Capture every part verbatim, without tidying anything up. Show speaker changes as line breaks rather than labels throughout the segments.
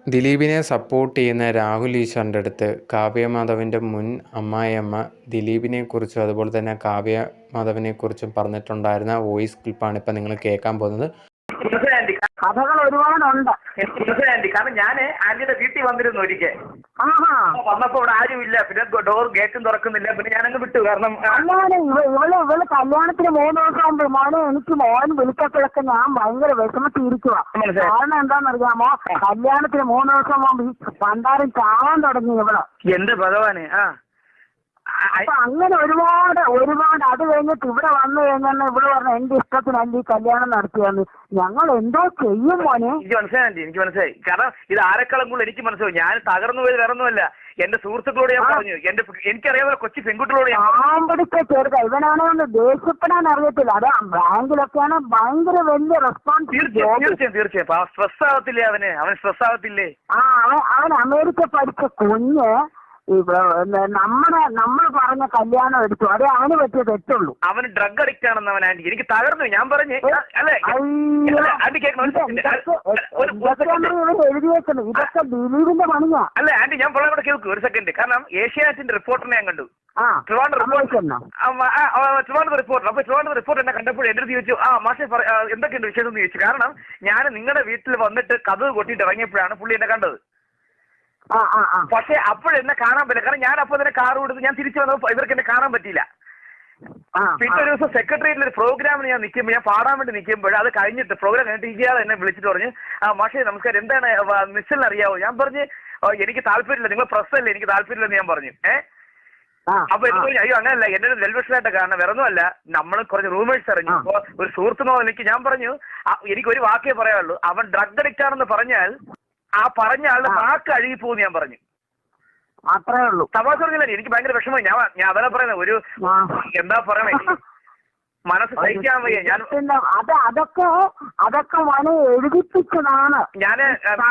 ദിലീപിനെ സപ്പോർട്ട് ചെയ്യുന്ന രാഹുൽ ഈശ്വറിൻ്റെ അടുത്ത് കാവ്യ മാധവൻ്റെ മുൻ അമ്മായിയമ്മ ദിലീപിനെക്കുറിച്ചും അതുപോലെ തന്നെ കാവ്യ മാധവനെക്കുറിച്ചും പറഞ്ഞിട്ടുണ്ടായിരുന്ന വോയിസ് ക്ലിപ്പാണ് ഇപ്പം നിങ്ങൾ കേൾക്കാൻ പോകുന്നത്.
കഥകൾ ഒരുപാടുണ്ട്.
ആന്റി കാരണം ഞാൻ ആന്റിയുടെ വീട്ടിൽ വന്നിരുന്നു ഒരിക്കൽ.
ആഹാ
വന്നപ്പോ ഇവിടെ ആരുമില്ല, പിന്നെ ഡോർ ഗേറ്റും തുറക്കുന്നില്ല, പിന്നെ ഞാനങ്ങ് വിട്ടു. കാരണം
അല്ലാതെ ഇവള് ഇവള് കല്യാണത്തിന് മൂന്ന് ദിവസം മുമ്പ് മോനെ എനിക്ക് മോൻ വിളിക്കപ്പോഴൊക്കെ ഞാൻ ഭയങ്കര വിഷമത്തിരിക്കുക. കാരണം എന്താണെന്നറിയാമോ, കല്യാണത്തിന് മൂന്ന് ദിവസം മുമ്പ് ഈ പണ്ടാരം ചാവാൻ തുടങ്ങി ഇവള്.
എന്റെ ഭഗവാന്. ആ
അപ്പൊ അങ്ങനെ ഒരുപാട് ഒരുപാട് അത് കഴിഞ്ഞിട്ട് ഇവിടെ വന്നു കഴിഞ്ഞാൽ ഇവിടെ പറഞ്ഞ എന്റെ ഇഷ്ടത്തിന് എന്റെ ഈ കല്യാണം നടത്തിയാന്ന്. ഞങ്ങൾ എന്തോ ചെയ്യും മോനെ.
എനിക്ക് മനസ്സിലായി എനിക്ക് മനസ്സിലായി കാരണം ഇത് ആരെക്കാളും കൂടുതൽ എനിക്ക് മനസ്സിലായി. ഞാൻ തകർന്നു പോയത് വേറൊന്നുമല്ല, എന്റെ സുഹൃത്തുക്കളോട് ഞാൻ പറഞ്ഞു, എന്റെ എനിക്കറിയാവുന്ന കൊച്ചു പെൺകുട്ടികളോട്
ആമ്പടിച്ച ചെറുത ഇവനാണെ ഒന്ന് ദേഷ്യപ്പെടാൻ അറിയത്തില്ല. അത് ബാങ്കിലൊക്കെയാണ് ഭയങ്കര വലിയ റെസ്പോൺസിബിലിറ്റി.
തീർച്ചയായും തീർച്ചയായും സ്ട്രെസ് ആവത്തില്ലേ അവന് അവൻ സ്ട്രെസ് ആവത്തില്ലേ?
ആ അവൻ അവൻ അമേരിക്ക പഠിച്ച കുഞ്ഞ് നമ്മുടെ നമ്മൾ പറഞ്ഞ കല്യാണം എടുത്തു, അതേ അവന് പറ്റിയ തെറ്റുള്ളൂ.
അവന് ഡ്രഗ് അഡിക്റ്റ് ആണെന്ന് അവൻ ആന്റി എനിക്ക് തകർന്നു. ഞാൻ പറഞ്ഞു അല്ലേ
എഴുതി വെക്കണം, ഇതൊക്കെ ദിലീപിന്റെ പണിയാ.
അല്ല ആന്റി ഞാൻ പറയാൻ കൂടെ കേൾക്കൂ ഒരു സെക്കൻഡ്. കാരണം ഏഷ്യാനെറ്റിന്റെ റിപ്പോർട്ടറിനെ ഞാൻ കണ്ടു.
ആ
ട്രിവാൻഡ്രം റിപ്പോർട്ടർ. അപ്പൊ ട്രിവാൻഡ്രം റിപ്പോർട്ടർ എന്നെ കണ്ടപ്പോൾ എന്റെ അടുത്ത് ചോദിച്ചു, ആ മാഷെ എന്തൊക്കെയുണ്ട് വിശേഷം എന്ന് ചോദിച്ചു. കാരണം ഞാൻ നിങ്ങളുടെ വീട്ടിൽ വന്നിട്ട് കഥ കൊട്ടിയിട്ട് ഇറങ്ങിയപ്പോഴാണ് പുള്ളി എന്നെ കണ്ടത്. പക്ഷെ അപ്പോഴെന്നെ കാണാൻ പറ്റില്ല, കാരണം ഞാൻ അപ്പൊ തന്നെ കാർ കൊടുത്ത് ഞാൻ തിരിച്ചു വന്നപ്പോൾ ഇവർക്ക് എന്നെ കാണാൻ പറ്റിയില്ല. പിന്നെ ഒരു ദിവസം സെക്രട്ടേറിയറ്റിൽ ഒരു പ്രോഗ്രാമിന് ഞാൻ നിൽക്കുമ്പോൾ ഞാൻ പാടാൻ വേണ്ടി നിൽക്കുമ്പോൾ അത് കഴിഞ്ഞിട്ട് പ്രോഗ്രാം കഴിഞ്ഞിട്ട് ഇയാൾ എന്നെ വിളിച്ചിട്ട് പറഞ്ഞു, ആ മാഷേ നമസ്കാരം, എന്താണ് മിസ്സിൽ അറിയാവോ? ഞാൻ പറഞ്ഞു എനിക്ക് താല്പര്യമില്ല, നിങ്ങൾ പ്രസ്സല്ലേ, എനിക്ക് താല്പര്യമില്ലെന്ന് ഞാൻ പറഞ്ഞു. ഏഹ് അപ്പൊ എനിക്ക് പറഞ്ഞു, അയ്യോ അങ്ങനല്ല, എന്റെ വെൽവിഷനായിട്ട് കാരണം വേറൊന്നുമല്ല, നമ്മൾ കുറച്ച് റൂമേഴ്സ് അറിഞ്ഞു. അപ്പൊ ഒരു സുഹൃത്തിനോ എനിക്ക് ഞാൻ പറഞ്ഞു, എനിക്ക് ഒരു വാക്കേ പറയാനുള്ളൂ, അവൻ ഡ്രഗ് അഡിക്റ്റ് ആണെന്ന് പറഞ്ഞാൽ ആ പറഞ്ഞ ആളുടെ വാക്ക് അഴുകി പോകുന്നു ഞാൻ പറഞ്ഞു.
അത്രേ ഉള്ളൂ.
തമാശ പറഞ്ഞില്ല, എനിക്ക് ഭയങ്കര വിഷമമായി. ഞാൻ ഞാൻ അതല്ല പറയുന്നത്, ഒരു എന്താ പറയണേ, മനസ്സ് സഹിക്കാൻ വയ്യ. ഞാൻ
അത് അതൊക്കെ അതൊക്കെ വളരെ എഴുതിപ്പിച്ചതാണ്.
ഞാന്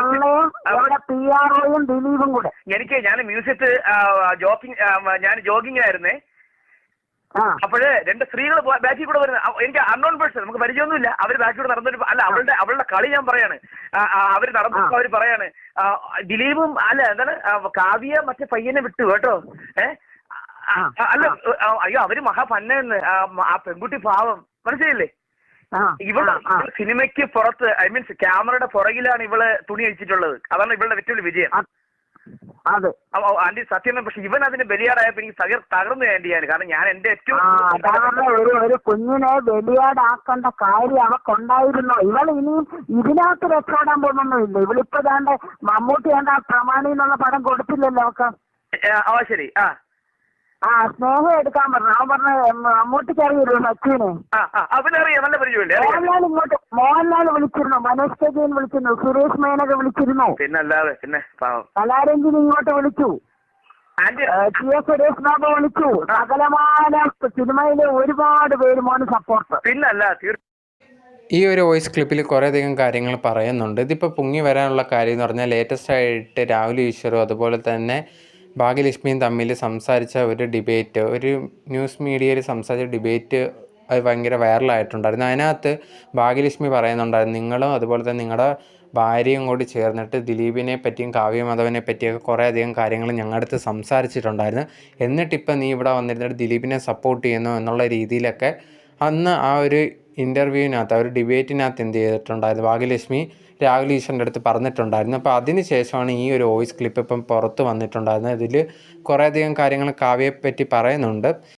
പി ആർ ഒയും ദിലീപും കൂടെ.
എനിക്ക് ഞാൻ മ്യൂസിയത്ത് ജോഗിങ് ഞാൻ ജോഗിങ് ആയിരുന്നേ. അപ്പോഴ് രണ്ട് സ്ത്രീകൾ ബാക്കിൽ കൂടെ വരുന്നത്, എനിക്ക് അൺനോൺ പേഴ്സൺ, നമുക്ക് പരിചയമൊന്നുമില്ല. അവര് ബാക്കിൽ കൂടെ നടന്നൊരു അല്ല അവളുടെ അവളുടെ കളി ഞാൻ പറയാണ്. അവര് നടന്നപ്പോ അവര് പറയാണ് ദിലീപും അല്ല എന്താണ് കാവ്യ മറ്റേ പയ്യനെ വിട്ടു കേട്ടോ. ഏഹ് അല്ല അയ്യോ അവര് മഹാപന്നെന്ന്, ആ പെൺകുട്ടി പാവം, മനസ്സിലായില്ലേ? ഇവള് സിനിമയ്ക്ക് പുറത്ത് ഐ മീൻസ് ക്യാമറയുടെ പുറകിലാണ് ഇവള് തുണി അഴിച്ചിട്ടുള്ളത്. അതാണ് ഇവളുടെ ഏറ്റവും വലിയ വിജയം.
അതെ
ആന്റി സത്യം. പക്ഷെ ഇവൻ അതിന് ബലിയാടായപ്പോ എനിക്ക് തകർന്നു ആന്റി ഞാൻ. കാരണം ഞാൻ എന്റെ ഏറ്റവും
ഒരു ഒരു കുഞ്ഞിനെ ബലിയാടാക്കേണ്ട കാര്യം അവക്കുണ്ടായിരുന്നോ? ഇവൾ ഇനിയും ഇതിനകത്ത് രക്ഷപ്പെടാൻ പോകുന്നൊന്നുമില്ല. ഇവളിപ്പോ ദാണ്ട് മമ്മൂട്ടി വേണ്ട പ്രമാണി എന്നുള്ള പടം കൊടുത്തില്ലല്ലോ അവക്ക്.
ആ ശരി. ആ
ആ സ്നേഹം എടുക്കാൻ പറഞ്ഞു. അവൻ പറഞ്ഞ മമ്മൂട്ടിക്ക് അറിയില്ലോ സച്ചിനെ.
അവനറിയാം, നല്ല പരിചയമില്ലേ?
മോഹൻലാൽ ഇങ്ങോട്ട് മോഹൻലാൽ വിളിച്ചിരുന്നു, മനോജ് കെജയൻ വിളിച്ചിരുന്നു, സുരേഷ് മേനക വിളിച്ചിരുന്നു,
പിന്നല്ലാതെ പിന്നെ
കലാരഞ്ജിനി ഇങ്ങോട്ട് വിളിച്ചു, ടി എസ് സുരേഷ് ബാബു വിളിച്ചു. സകലമാന സിനിമയിലെ ഒരുപാട് പേര് മോന് സപ്പോർട്ട്.
പിന്നല്ല
ഈ ഒരു വോയിസ് ക്ലിപ്പിൽ കുറേയധികം കാര്യങ്ങൾ പറയുന്നുണ്ട്. ഇതിപ്പോൾ പൊങ്ങി വരാനുള്ള കാര്യം എന്ന് പറഞ്ഞാൽ ലേറ്റസ്റ്റ് ആയിട്ട് രാഹുൽ ഈശ്വറും അതുപോലെ തന്നെ ഭാഗ്യലക്ഷ്മിയും തമ്മിൽ സംസാരിച്ച ഒരു ഡിബേറ്റ്, ഒരു ന്യൂസ് മീഡിയയിൽ സംസാരിച്ച ഡിബേറ്റ് അത് ഭയങ്കര വൈറലായിട്ടുണ്ടായിരുന്നു. അതിനകത്ത് ഭാഗ്യലക്ഷ്മി പറയുന്നുണ്ടായിരുന്നു, നിങ്ങളും അതുപോലെ തന്നെ നിങ്ങളുടെ ഭാര്യയും കൂടി ചേർന്നിട്ട് ദിലീപിനെ പറ്റിയും കാവ്യ മാധവനെ പറ്റിയൊക്കെ കുറേ അധികം കാര്യങ്ങൾ ഞങ്ങളുടെ അടുത്ത് സംസാരിച്ചിട്ടുണ്ടായിരുന്നു. എന്നിട്ടിപ്പോൾ നീ ഇവിടെ വന്നിരുന്നിട്ട് ദിലീപിനെ സപ്പോർട്ട് ചെയ്യുന്നു എന്നുള്ള രീതിയിലൊക്കെ അന്ന് ആ ഒരു ഇൻ്റർവ്യൂവിനകത്ത് ആ ഒരു ഡിബേറ്റിനകത്ത് എന്ത് ചെയ്തിട്ടുണ്ടായിരുന്നു, ഭാഗ്യലക്ഷ്മി രാഹുൽ ഈശ്വറിൻ്റെ അടുത്ത് പറഞ്ഞിട്ടുണ്ടായിരുന്നു. അപ്പോൾ അതിന് ശേഷമാണ് ഈ ഒരു വോയിസ് ക്ലിപ്പ് ഇപ്പം പുറത്ത് വന്നിട്ടുണ്ടായിരുന്നത്. ഇതിൽ കുറേയധികം കാര്യങ്ങൾ കാവ്യയെപ്പറ്റി പറയുന്നുണ്ട്.